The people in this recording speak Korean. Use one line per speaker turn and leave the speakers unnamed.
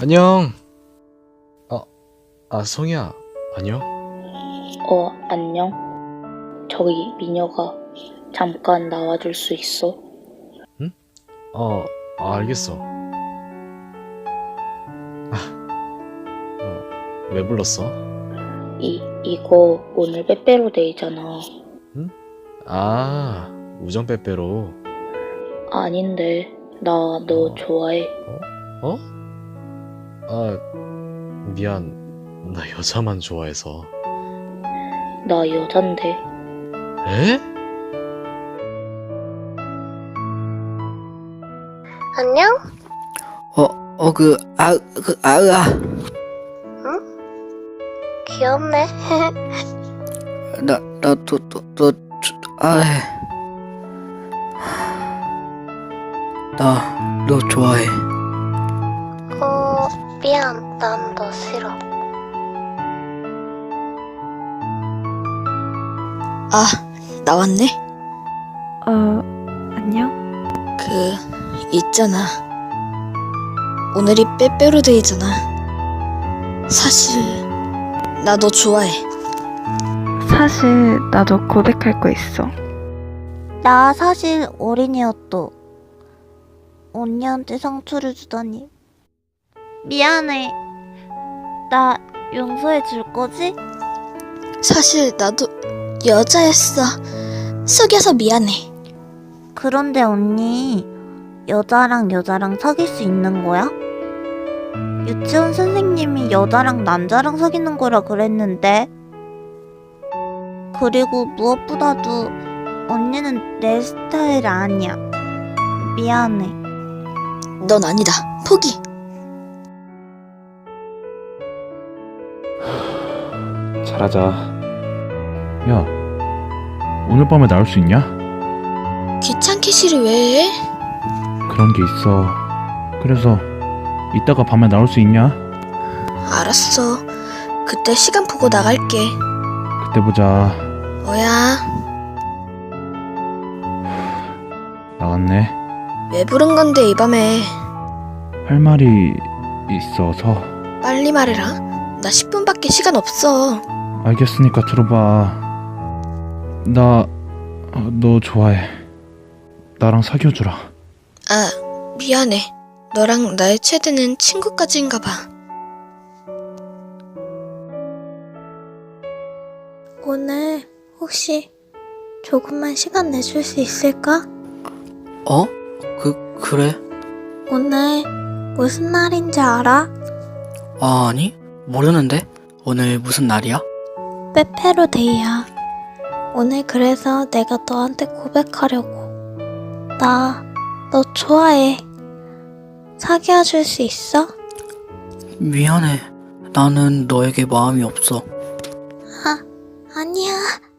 안녕. 성희야, 안녕?
안녕? 저기 미녀가 잠깐 나와줄 수 있어?
응? 알겠어. 왜 불렀어?
이거 오늘 빼빼로데이잖아.
응? 우정 빼빼로.
아닌데, 나 너 좋아해.
어? 미안. 나 여자만 좋아해서.
나 여잔데.
에?
안녕? 귀엽네.
너 좋아해.
미안. 난 너 싫어.
나왔네?
안녕?
있잖아. 오늘이 빼빼로데이잖아. 사실, 나 너 좋아해.
사실 나도 고백할 거 있어.
나 사실 어린이였어. 언니한테 상처를 주다니. 미안해. 나 용서해 줄 거지?
사실, 나도 여자였어. 속여서 미안해.
그런데 언니, 여자랑 사귈 수 있는 거야? 유치원 선생님이 여자랑 남자랑 사귀는 거라 그랬는데. 그리고 무엇보다도 언니는 내 스타일 아니야. 미안해.
넌 아니다. 포기.
잘하자. 야, 오늘 밤에 나올 수 있냐?
귀찮게 시를 왜 해?
그런 게 있어. 그래서 이따가 밤에 나올 수 있냐?
알았어. 그때 시간 보고 나갈게.
그때 보자.
뭐야?
나갔네.
왜 부른 건데 이 밤에?
할 말이 있어서.
빨리 말해라. 나 10분밖에 시간 없어.
알겠으니까 들어봐. 나 너 좋아해. 나랑 사귀어주라.
미안해. 너랑 나의 최대는 친구까지인가 봐. 오늘 혹시 조금만 시간 내줄 수 있을까?
그래?
오늘 무슨 날인지 알아?
아니, 모르는데? 오늘 무슨 날이야?
빼빼로데이야. 오늘 그래서 내가 너한테 고백하려고. 나 너 좋아해. 사귀어줄 수 있어?
미안해. 나는 너에게 마음이 없어.
아니야.